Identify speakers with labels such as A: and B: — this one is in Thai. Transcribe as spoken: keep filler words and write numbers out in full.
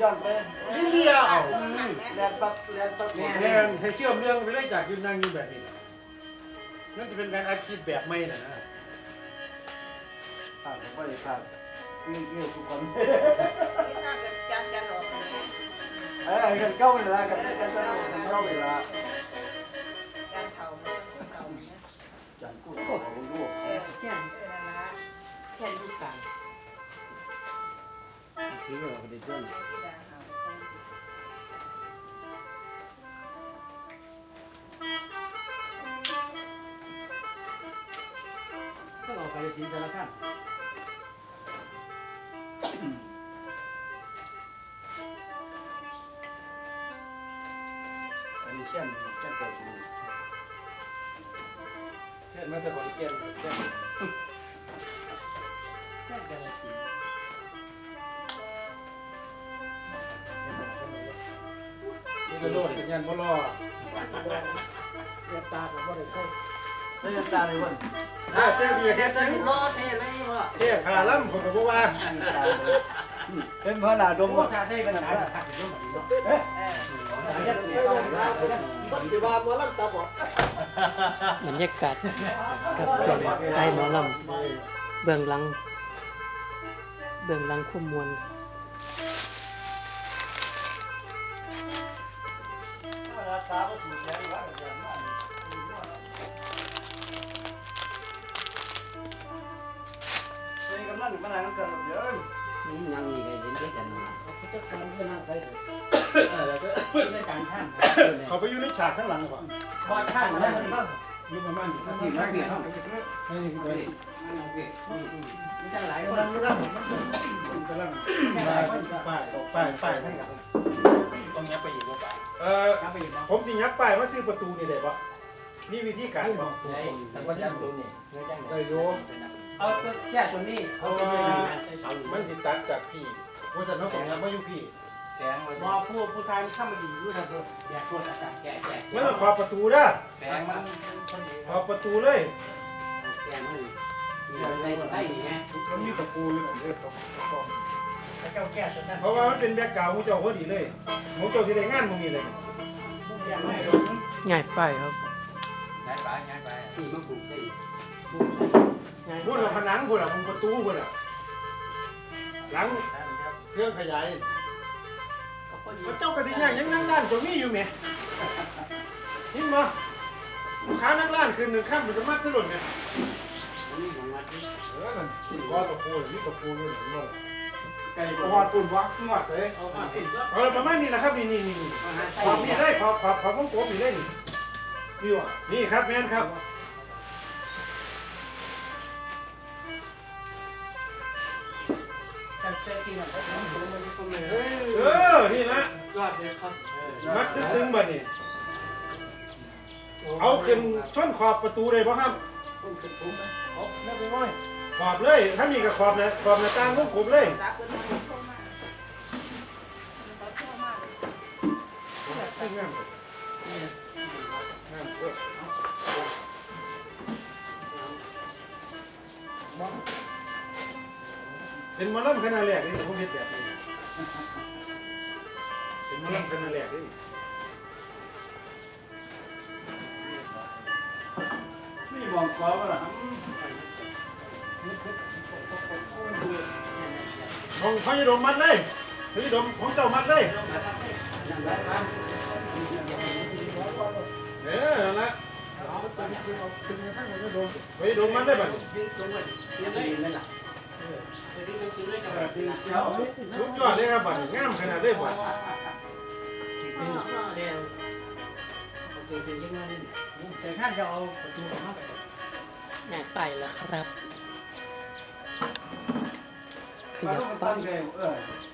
A: อนไป
B: เลี้ยว
A: แลนปั๊บแลนปั๊บ
B: แม่ให้เชื่อมเรื่องไปเรื่อยจากยืนนั่งอยู่แบบนี้นั่นจะเป็นการอาชีพแบบไม่นะนะ
A: ผ่านผมไปผ่านนี่นี่ทุกคน
C: นี่น่าจะจันจันออกเลย
A: เออกันเก้าเวลากันกันกันเก้าเวลา
C: จันเท่ามันเท่าเนี่ย
A: จันกู้เขาลูก
C: เออแค่นั้นละ
D: แค่ลูกไก่
B: ถือว่าเป็นเรื่อง
C: ที่ดาหา
D: ต้องออกไปสินสารคาม
A: อันนี้เช่นเช่นเกิดสิ่ง
B: เช่นมาแต่คนเกียนเช่น
D: แค่กาลสิน
B: นี่กระโดดเป็นยันพ่อรอ
A: เรียกตาผมว่าได้ใช่เรียกตาเลยวัน
B: ถ้าเต้ที่แค่เต้
A: รอเท่เลยวะ
B: เต้ขาล่ำคนกับพวกว่า
A: เป็นพระนาดม
D: โอ้
A: ว่า
D: ชาใช้ปัญหาขัดอยู่ตรงนี้เนาะ
C: เออ
A: ดีว่ามัวลำตาบอด
E: บรรยากาศกับช่วงใต้หมอลำเบื้องหลังเบื้องหลังคุ้มมวล
A: ตาก็ถูกแสงว่าอย่างนั้นเฮ้ยกำลังมานั่งกันเยอะ
D: ยังมีใครเห็นด้วยกันนะ
A: จะการก็นั่งไป
D: ด้วยการท่าน
B: เขาไปอยู่ในฉากข้างหลังก่อน
D: พอท่านนะ
B: อยู่ประมาณนี้
D: ที่มาเปลี่ยน
B: นี่คือตัวนี้
D: ไม่ใช่หลายคน
B: กำลังกำลังป้ายป้ายป้ายทั้งหลัง
A: ต้องยับไปอีกว่าป่ะ
B: เอ่อ
D: นับไปอยู่เนาะ
B: ผมสิยับป้ายว่าซื้อประตูนี่ได้ปะนี่วิธีการปะ
A: แต่ว่ายับตัวนี้เนื้อแจ้ง
B: ได้โย
D: เอาแค่ส่วนนี้เขาเป็นยังไงนะ
B: มันติดตัดจากพี่ว่าสันนอกของยับมาอยู่พี่
A: แสงมัน
D: บอผู้ผู้ชายเข้ามาดีรู้ทันตัวแยกตัวจัดแกะแกะ
B: มันต้องขอบประตูด้ะ
A: แสงมันพอดี
B: ขอบประตูเลย
D: แกะมันได้ได้ไง
B: มันมีตะปูอยู่นั่นเลย
A: แล้วก็แก้ฉันนั่น
B: เพราะว่ามันเป็นแบ็กกราวด์มูเจ้าพอดีเลยมูเจ้าสิได้งานมึงนี่เลย
D: แกะไม่
E: ง่ายไปครับ
A: ย้ายไปย้ายไป
D: สี่มาปลูกได้
E: ง่าย
B: พูดเราผนังพูดเราประตูพูดเราหลังเครื่องขยายพระเจ้ากระดิ่งยังนั่งด้านตรงนี้อยู่ไหมนี่มาลูกค้านั่งร้านคืนหนึ่งข้ามมันจะมัดสลุดเนี่ย
D: นี่ของวัดนี่
B: เออมันว่าตะปูนี่ตะปูนี่หนึ่งเลย
A: ไก่
B: พอตุนวักงวดเลย
D: เอามาสิก็
B: เออประมาณนี้นะครับนี่นี่นี่
D: มาใส่
B: ขอบนี่ได้ขอบขอบขอบของผมนี่ได้นี่นี่วะนี่ครับแม่นครับ
D: แต่แต่ที่นั่นเขาทำมันมันก็ไม่
B: เออนี่ละ
D: ยอดเลยครับ
B: มัดตึงๆแบบนี้เอาขึ้นช่อนขอบประตูเลยป่ะครับ
D: คุณคือผมไหม
A: เอาไม่ไปง่อย
B: ขอบเลยถ้ามีกับขอบนะขอบหน้าต่างของผมเลย
C: ตาคนนั้นโทรมาเขาโทรมา
B: ตึ้งงามงามเออเป็นหมอลำขนาดแรกนี่ผมเห็นแบบนี้เป็นหมอลำขนาดแรกนี่
A: นี่มองกอล์ฟอ่ะ
B: ของพระยดมมัดเลยพระยดมของเจ้ามัดเลยเออนั่นละพระยดมมัดได้ป่ะ
D: ยังไงนั่นแหละดิ้งดิ้งดิ้งเลยกับ
B: สุดยอดเลยครับบัดงามขนาดเลยบัด
D: แต่ท่านจะเอาประตูเข้าไป
E: ง่ายไปแล้วครับข
A: มา
E: ยั
A: ต้
E: บ
A: อง
E: ไป
A: ตั้งใจเออ